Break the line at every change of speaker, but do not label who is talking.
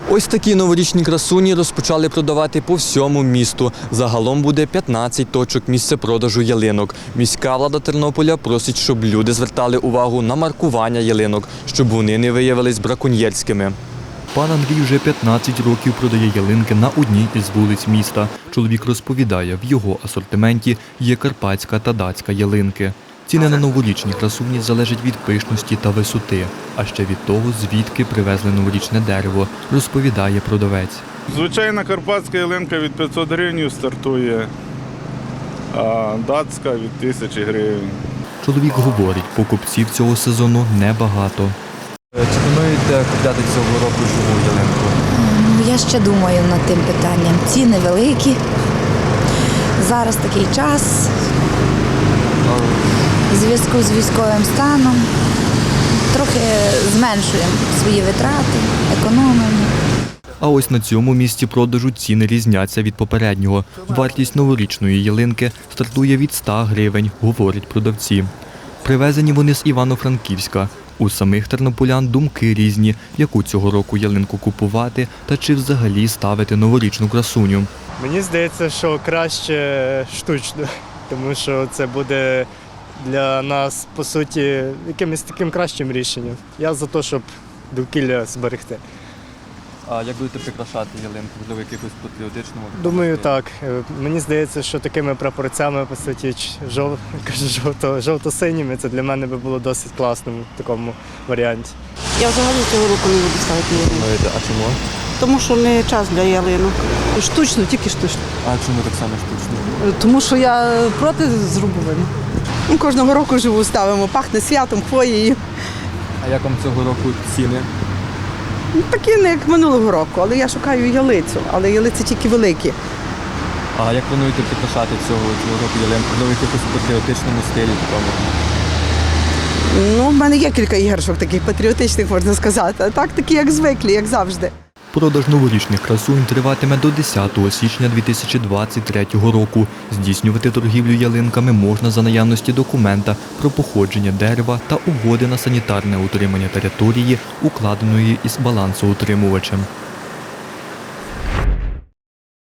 Ось такі новорічні красуні розпочали продавати по всьому місту. Загалом буде 15 точок місцепродажу ялинок. Міська влада Тернополя просить, щоб люди звертали увагу на маркування ялинок, щоб вони не виявились браконьєрськими. Пан Андрій вже 15 років продає ялинки на одній із вулиць міста. Чоловік розповідає, в його асортименті є карпатська та датська ялинки. Ціни на новорічні красуні залежать від пишності та висоти, а ще від того, звідки привезли новорічне дерево, розповідає продавець.
Звичайна карпатська ялинка від 500 гривень стартує, а датська від 1000 гривень.
Чоловік говорить, покупців цього сезону небагато. Чи плануєте купляти цього року живу ялинку?
Я ще думаю над тим питанням. Ціни великі. Зараз такий час. В зв'язку з військовим станом трохи зменшуємо свої витрати, економимо.
А ось на цьому місці продажу ціни різняться від попереднього. Вартість новорічної ялинки стартує від 100 гривень, говорять продавці. Привезені вони з Івано-Франківська. У самих тернополян думки різні, яку цього року ялинку купувати та чи взагалі ставити новорічну красуню.
Мені здається, що краще штучно, тому що це буде для нас, по суті, якимось таким кращим рішенням. Я за те, щоб довкілля зберегти.
А як будете прикрашати ялинку? Можливо, якихось патріотичному?
Думаю, так. Мені здається, що такими прапорцями, по суті, жовто-синіми, це для мене би було досить класно в такому варіанті.
Я взагалі цього року не буду ставити ялинку.
А чому?
Тому що не час для ялинок. Штучно, тільки штучно.
А чому так само штучно?
Тому що я проти зрубування.
Кожного року живу ставимо, пахне святом, хвоєю.
А як вам цього року ціни?
Такі не як минулого року, але я шукаю ялицю, але ялиці тільки великі.
А як плануєте прикрашати цього року ялинку? Можливо, в якихось патріотичному стилі такому?
Ну, в мене є кілька іграшок таких патріотичних, можна сказати, а так такі, як звиклі, як завжди.
Продаж новорічних красунь триватиме до 10 січня 2023 року. Здійснювати торгівлю ялинками можна за наявності документа про походження дерева та угоди на санітарне утримання території, укладеної із балансоутримувачем.